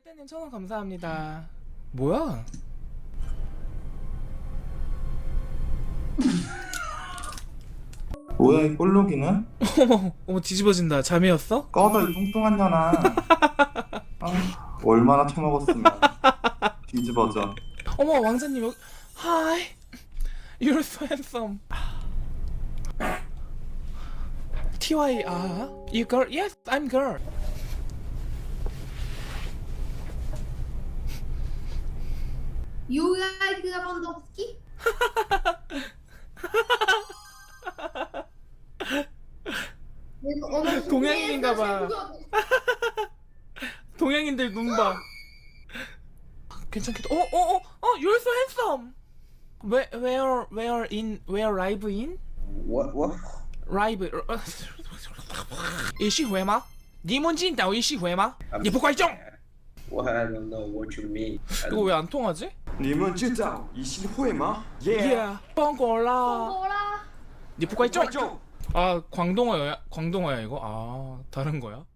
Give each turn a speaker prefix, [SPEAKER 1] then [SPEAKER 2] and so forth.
[SPEAKER 1] 떼떼님 1000원 감사합니다. 뭐야?
[SPEAKER 2] 뭐야 이 꼴록이는?
[SPEAKER 1] 어머 뒤집어진다. 잠이었어?
[SPEAKER 2] 꺼져 이 뚱뚱한 년아. 아, 얼마나 처먹었으면 뒤집어져.
[SPEAKER 1] 어머 왕자님 여기. Hi, you're so handsome. TY you girl? Yes, I'm girl.
[SPEAKER 3] You like Lewandowski?
[SPEAKER 1] 동양인인가봐. 동양인들 눈 봐. 괜찮겠다. You're so handsome. Where live in?
[SPEAKER 4] What?
[SPEAKER 1] live 一续回吗？你们进岛一续回吗？你不怪众。
[SPEAKER 4] Well, I don't know what you mean.
[SPEAKER 1] 이거 왜 안 통하지?
[SPEAKER 5] 你们知道一心会吗
[SPEAKER 1] Yeah, 帮过啦。
[SPEAKER 3] 我啦。
[SPEAKER 1] 你不怪众。
[SPEAKER 5] 观众
[SPEAKER 1] 아 광동어야 이거? 아 다른 거야?